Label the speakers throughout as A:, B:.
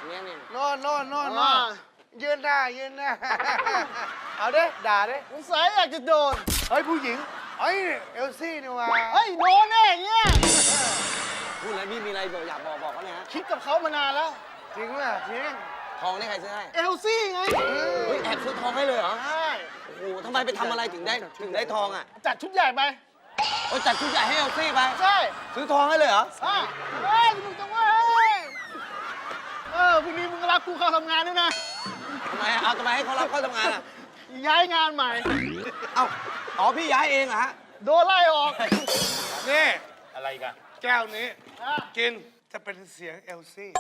A: เนี่ยนี่
B: โน่นยืนหน้าเอาเด้ด่าเด้
C: สงสัยอยากจะโดน
B: เฮ้ยผู้หญิงเฮ้ยเอลซี่นี่ว่า
C: เฮ้ยโดนแน่อย่างเงี้ย
A: พูดแล้วพี่มีอะไรอยากบอกเขาเลยฮะ
C: คิดกับเขามานานแล้ว
B: จริงป่ะจริง
A: ทองนี่ใครซื้อให้
C: เอลซี่ไง
A: เฮ้ยแอบซื้อทองให้เลยเหรอ
C: ใช่
A: โอ้โหทำไมไปทำอะไรถึงได้ทองอ่ะ
C: จัดชุดใหญ่ไป
A: โอ้ยจัดชุดใหญ่ให้เอลซี่ไป
C: ใช่
A: ซื้อทองให้เลยเหรอ
C: เฮ้ยสนุกจังเว้ยพรุ่งนี้มึงรับกูเข้าทำงานด้วยนะ
A: ทำไมเอาทำไมให้เขารับเข้าทำงานอ่ะ
C: ย้ายงานใหม่
A: เอาอ๋อพี่ย้ายเองเหรอฮะ
C: โดนไล่ออก
B: นี่
D: อะไรกัน
B: แก้วนี้
C: อ่ะ
B: กินจะเป็นเสียงเอลซี่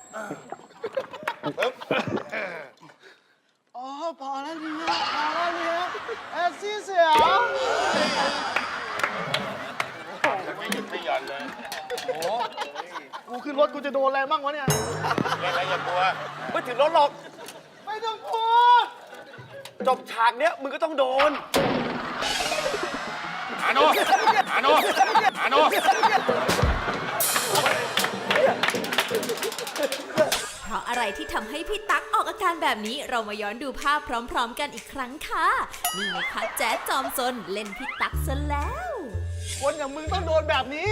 C: อ๋อพอแล้วเนี่ยเอลซี่เสียว
D: ไม่หยุดไม่หย่อนเลย
C: กูขึ้นรถกูจะโดนอะไรบ้างวะเนี่ย
D: เล่นอะไรอย่ากลัว
A: ไม่ถึงรถหรอก
C: ไม่ต้องพูด
A: จบฉากเนี้ยมึงก็ต้องโดน
D: อาโน
E: เพราะอะไรที่ทำให้พี่ตั๊กออกอาการแบบนี้เรามาย้อนดูภาพพร้อมๆกันอีกครั้งค่ะนี่ไงคะแจ๊ดจอมซนเล่นพี่ตั๊กซะแล้ว
C: คนอย่างมึงต้องโดนแบบนี้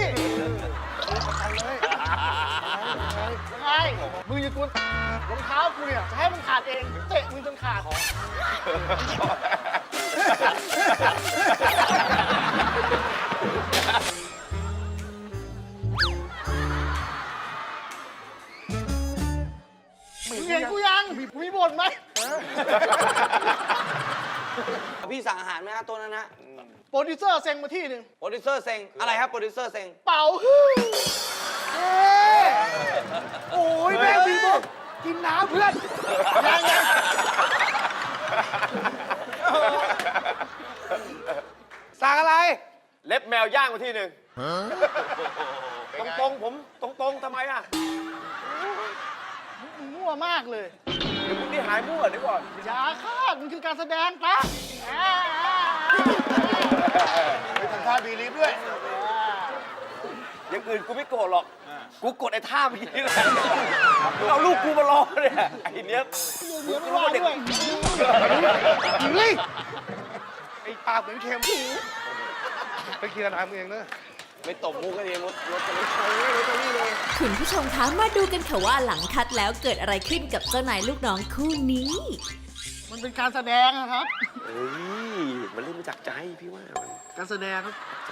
C: ยังไงมึงอย่ากวนรองเท้ากูเนี่ยจะให้มันขาดเองเตะมึงจนขาดมึงเห็นกูยังมีบ่นไหม
A: พี่สั่งอาหารไหมฮะตัวนั้นฮะ
C: โปรดิวเซอร์เซ็งมาที่หนึ่ง
A: โปรดิวเซอร์เซ็งอะไรครับโปรดิวเซอร์เซ็ง
C: เป่า
B: โอ้ยแม่งมีบอกกินน้ำเพื่อน
C: ยัง
B: สั่งอะไร
D: เล็บแมวย่างมาที่หนึ่งตรงๆผมตรงๆทำไมอ่ะ
C: มึงมั่วมากเลย
D: เดี๋ยวมึงนี่หายมั่วเดี๋ยวก่อน
C: อย่าคาดมันคือการแสดงปะ
B: ไปทำท่าบีลีฟด้วย
D: อย่างอื่นกูไม่โกรธหรอก กูกดไอ้ท่าเมื่อกี้นี่แหละเอาลูกกูมารอเนี่ยไอ้เนี้ย
C: เดี๋ยวไม่ว่าด้วย
B: เฮ้ยไอ้ปากเหมือนเค็มไปเคลียร์น้ำเองนะ
A: ไม่ตบมุกกันเองรถจะไม่ใช่
E: คุณผู้ชมคะมาดูกันค่ะว่าหลังคัดแล้วเกิดอะไรขึ้นกับเจ้านายลูกน้องคู่นี้
C: มันเป็นการแสดงนะครับ
D: เฮ้ยมันเล่นมาจากใจพี่ว่ามัน
C: การแสดงครับ
D: ใจ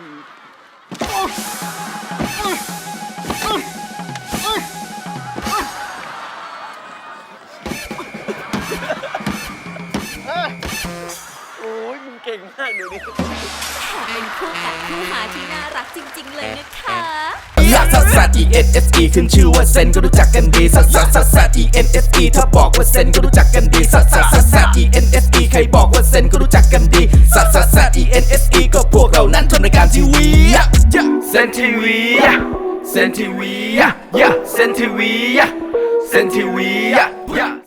D: โอ้ยมึงเก่งมากดูดิ
E: เป็นคู่กัดคู่หาที่น่ารักจริงๆเลยนะคะ
F: ลักซัสซัส E N S E ขึ้นชื่อว่าเซนก็รู้จักกันดีซัสซัสซัสซัส E N S E ถ้าบอกว่าเซนก็รู้จักกันดีซัสซัสซัสซัส E N S E ใครบอกว่าเซนก็รู้จักกันดีซัสซัสซัส E N S E ก็พวกเรานั้นทำรายการทีวีเซนทีวีเซนทีวีเซนทีวีเซนทีวี